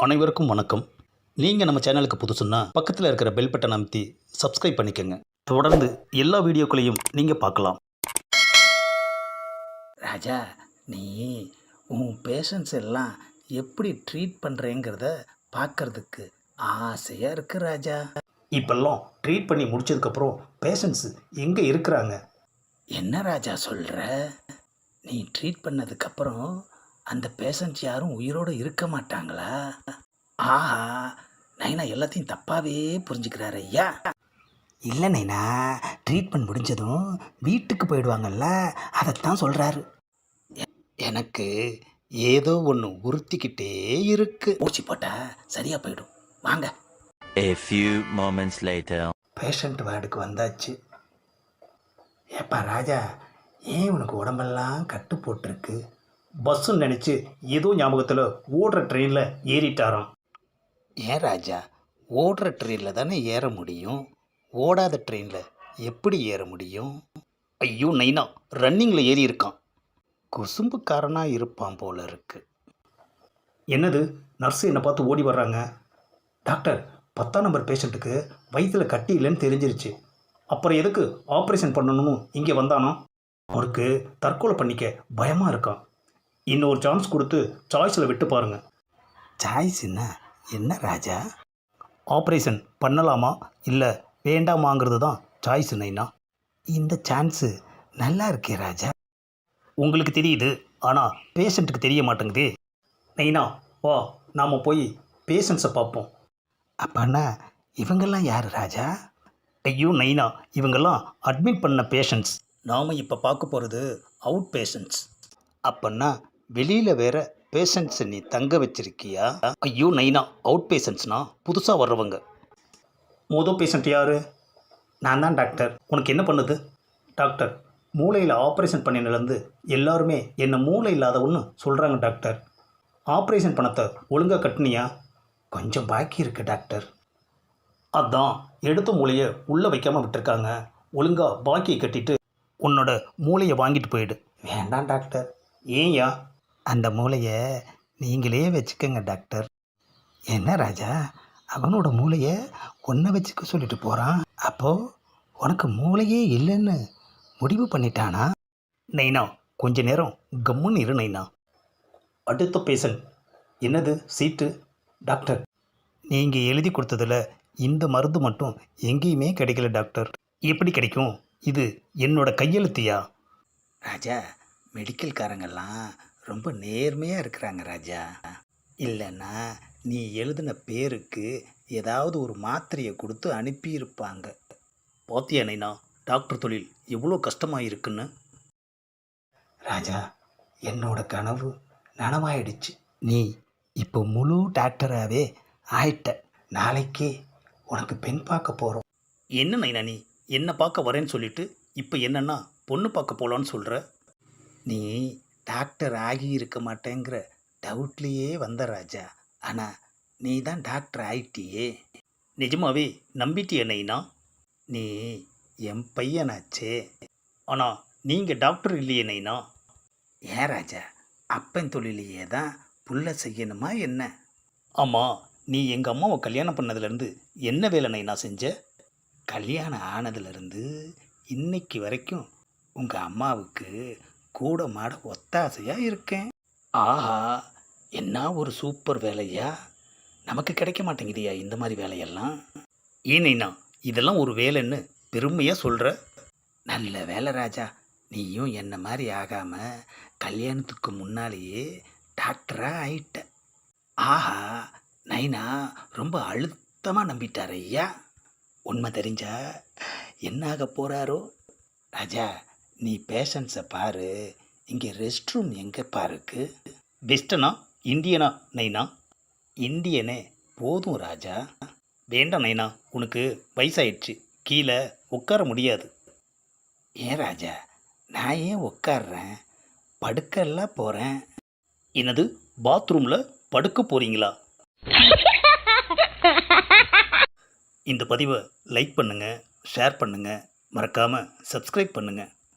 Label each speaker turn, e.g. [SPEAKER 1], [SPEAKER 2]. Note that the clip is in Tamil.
[SPEAKER 1] அனைவருக்கும் வணக்கம். நீங்கள் நம்ம சேனலுக்கு புதுசுன்னா பக்கத்தில் இருக்கிற பெல் பட்டன் அமைத்தி சப்ஸ்கிரைப் பண்ணிக்கோங்க. தொடர்ந்து எல்லா வீடியோக்களையும் நீங்கள் பார்க்கலாம்.
[SPEAKER 2] ராஜா, நீ உன் பேஷண்ட்ஸ் எல்லாம் எப்படி ட்ரீட் பண்ணுறேங்கிறத பார்க்கறதுக்கு ஆசையாக இருக்கு ராஜா.
[SPEAKER 1] இப்பெல்லாம் ட்ரீட் பண்ணி முடிச்சதுக்கப்புறம் பேஷண்ட்ஸு எங்கே இருக்கிறாங்க?
[SPEAKER 2] என்ன ராஜா சொல்கிற? நீ ட்ரீட் பண்ணதுக்கப்புறம் அந்த பேஷண்ட்ஸ் யாரும் உயிரோடு இருக்க மாட்டாங்களா? ஆஹா, நைனா எல்லாத்தையும் தப்பாகவே புரிஞ்சுக்கிறாரு ஐயா. இல்லை நைனா, ட்ரீட்மெண்ட் முடிஞ்சதும் வீட்டுக்கு போயிடுவாங்கல்ல, அதைத்தான் சொல்கிறாரு.
[SPEAKER 1] எனக்கு ஏதோ ஒன்று உறுத்திக்கிட்டே இருக்கு.
[SPEAKER 2] ஊசி போட்டால் சரியாக போயிடும். வாங்க.
[SPEAKER 3] A few moments later.
[SPEAKER 2] Patient வார்டுக்கு வந்தாச்சு. ஏப்பா ராஜா, ஏன் உனக்கு உடம்பெல்லாம் கட்டு போட்டிருக்கு?
[SPEAKER 1] பஸ்ஸுன்னு நினச்சி ஏதோ ஞாபகத்தில் ஓடுற ட்ரெயினில் ஏறிட்டாராம்.
[SPEAKER 2] ஏன் ராஜா, ஓடுற ட்ரெயினில் தானே ஏற முடியும், ஓடாத ட்ரெயினில் எப்படி ஏற முடியும்?
[SPEAKER 1] ஐயோ நைனா, ரன்னிங்கில் ஏறி இருக்கான்.
[SPEAKER 2] குசும்புக்காரனாக இருப்பான் போல இருக்கு.
[SPEAKER 1] என்னது, நர்ஸு என்னை பார்த்து ஓடி வர்றாங்க. டாக்டர், 10ஆம் நம்பர் பேஷண்ட்டுக்கு வயிற்றில் கட்டி இல்லைன்னு தெரிஞ்சிருச்சு. அப்புறம் எதுக்கு ஆப்ரேஷன் பண்ணணும்னு இங்கே வந்தானோ? அவருக்கு தற்கொலை பண்ணிக்க பயமாக இருக்கான். இன்னொரு சான்ஸ் கொடுத்து சாய்ஸில் விட்டு பாருங்க.
[SPEAKER 2] சாய்ஸ்னா என்ன ராஜா?
[SPEAKER 1] ஆப்ரேஷன் பண்ணலாமா இல்லை வேண்டாமாங்கிறது தான் சாய்ஸ் நைனா.
[SPEAKER 2] இந்த சான்ஸு நல்லா இருக்கே ராஜா.
[SPEAKER 1] உங்களுக்கு தெரியுது, ஆனால் பேஷண்ட்டுக்கு தெரிய மாட்டேங்குதே. நைனா வா, நாம் போய் பேஷண்ட்ஸை பார்ப்போம்.
[SPEAKER 2] அப்பன்னா இவங்கெல்லாம் யார் ராஜா?
[SPEAKER 1] ஐயோ நைனா, இவங்கெல்லாம் அட்மிட் பண்ண பேஷண்ட்ஸ்.
[SPEAKER 2] நாம் இப்போ பார்க்க போகிறது அவுட் பேஷண்ட்ஸ்.
[SPEAKER 1] அப்பன்னா வெளியில் வேற பேஷண்ட்ஸை நீ தங்க வச்சிருக்கியா? ஐயோ நைனா, அவுட் பேஷண்ட்ஸ்னா புதுசாக வர்றவங்க. மொதல் பேஷண்ட் யார்?
[SPEAKER 2] நான் தான் டாக்டர்.
[SPEAKER 1] உனக்கு என்ன பண்ணுது? டாக்டர், மூளையில் ஆப்ரேஷன் பண்ணினதுலேருந்து எல்லாருமே என்னை மூளை இல்லாதவன்னு சொல்கிறாங்க டாக்டர். ஆப்ரேஷன் பணத்தை ஒழுங்காக கட்டினியா?
[SPEAKER 2] கொஞ்சம் பாக்கி இருக்குது டாக்டர்.
[SPEAKER 1] அதான் எடுத்த மூளையை உள்ளே வைக்காமல் விட்டுருக்காங்க. ஒழுங்காக பாக்கியை கட்டிட்டு உன்னோட மூளையை வாங்கிட்டு போயிடு.
[SPEAKER 2] வேண்டாம் டாக்டர்.
[SPEAKER 1] ஏன்யா?
[SPEAKER 2] அந்த மூளையை நீங்களே வச்சுக்கோங்க டாக்டர். என்ன ராஜா, அவனோட மூளையை ஒன்றை வச்சுக்க சொல்லிட்டு போகிறான். அப்போது உனக்கு மூளையே இல்லைன்னு முடிவு பண்ணிட்டானா?
[SPEAKER 1] நைனா, கொஞ்ச நேரம் கம்முன்னு இரு நைனா. அடுத்த பேஷண்ட். என்னது சீட்டு?
[SPEAKER 2] டாக்டர்,
[SPEAKER 1] நீங்கள் எழுதி கொடுத்ததில் இந்த மருந்து மட்டும் எங்கேயுமே கிடைக்கல டாக்டர். எப்படி கிடைக்கும்? இது என்னோட கையெழுத்தியா?
[SPEAKER 2] ராஜா, மெடிக்கல்காரங்கெல்லாம் ரொம்ப நேர்மையாக இருக்கிறாங்க ராஜா. இல்லைன்னா நீ எழுதின பேருக்கு ஏதாவது ஒரு மாத்திரையை கொடுத்து அனுப்பியிருப்பாங்க.
[SPEAKER 1] பாத்தியா நைனா, டாக்டர் தொழில் எவ்வளோ கஷ்டமாக இருக்குன்னு.
[SPEAKER 2] ராஜா, என்னோட கனவு நனவாயிடுச்சு. நீ இப்போ முழு டாக்டராகவே ஆயிட்ட. நாளைக்கே உனக்கு பெண் பார்க்க போகிறோம்.
[SPEAKER 1] என்ன நைனா, நீ என்னை பார்க்க வரேன்னு சொல்லிட்டு இப்போ என்னன்னா பொண்ணு பார்க்க போகலான்னு சொல்கிற?
[SPEAKER 2] நீ டாக்டர் ஆகி இருக்க மாட்டேங்கிற டவுட்லேயே வந்த ராஜா. ஆனால் நீ தான் டாக்டர் ஆயிட்டியே.
[SPEAKER 1] நிஜமாவே நம்பிட்டிய நைனா?
[SPEAKER 2] நீ என் பையனாச்சே.
[SPEAKER 1] ஆனால் நீங்கள் டாக்டர் இல்லையே நைனா.
[SPEAKER 2] ஏன் ராஜா, அப்பன் தொழிலையே தான் புள்ள செய்யணுமா என்ன?
[SPEAKER 1] ஆமாம், நீ எங்கள் அம்மாவை கல்யாணம் பண்ணதுலேருந்து என்ன வேலை நைனா செஞ்ச?
[SPEAKER 2] கல்யாணம் ஆனதுலேருந்து இன்னைக்கு வரைக்கும் உங்கள் அம்மாவுக்கு கூட மாட ஒத்தாசையாக இருக்கேன். ஆஹா, என்ன ஒரு சூப்பர் வேலையா! நமக்கு கிடைக்க மாட்டேங்குதியா இந்த மாதிரி வேலையெல்லாம்?
[SPEAKER 1] ஏன் நைனா, இதெல்லாம் ஒரு வேலைன்னு பெருமையாக சொல்கிற?
[SPEAKER 2] நல்ல வேலை ராஜா, நீயும் என்ன மாதிரி ஆகாமல் கல்யாணத்துக்கு முன்னாலேயே டாக்டராக ஆயிட்ட. ஆஹா, நைனா ரொம்ப அழுத்தமாக நம்பிட்டார் ஐயா. உண்மை தெரிஞ்சா என்ன ஆக போகிறாரோ? ராஜா, நீ பேஷண்ட்ஸை பாரு. இங்கே ரெஸ்ட் ரூம் எங்கேப்பா இருக்கு?
[SPEAKER 1] வெஸ்டனா இந்தியனா நைனா?
[SPEAKER 2] இந்தியனே போதும் ராஜா.
[SPEAKER 1] வேண்டாம் நைனா, உனக்கு வயசாயிடுச்சு, கீழே உட்கார முடியாது.
[SPEAKER 2] ஏன் ராஜா, நான் ஏன் உட்கார்றேன்? படுக்கெல்லாம் போகிறேன்.
[SPEAKER 1] என்னது, பாத்ரூமில் படுக்க போகிறீங்களா? இந்த பதிவை லைக் பண்ணுங்கள், ஷேர் பண்ணுங்கள், மறக்காமல் சப்ஸ்கிரைப் பண்ணுங்கள்.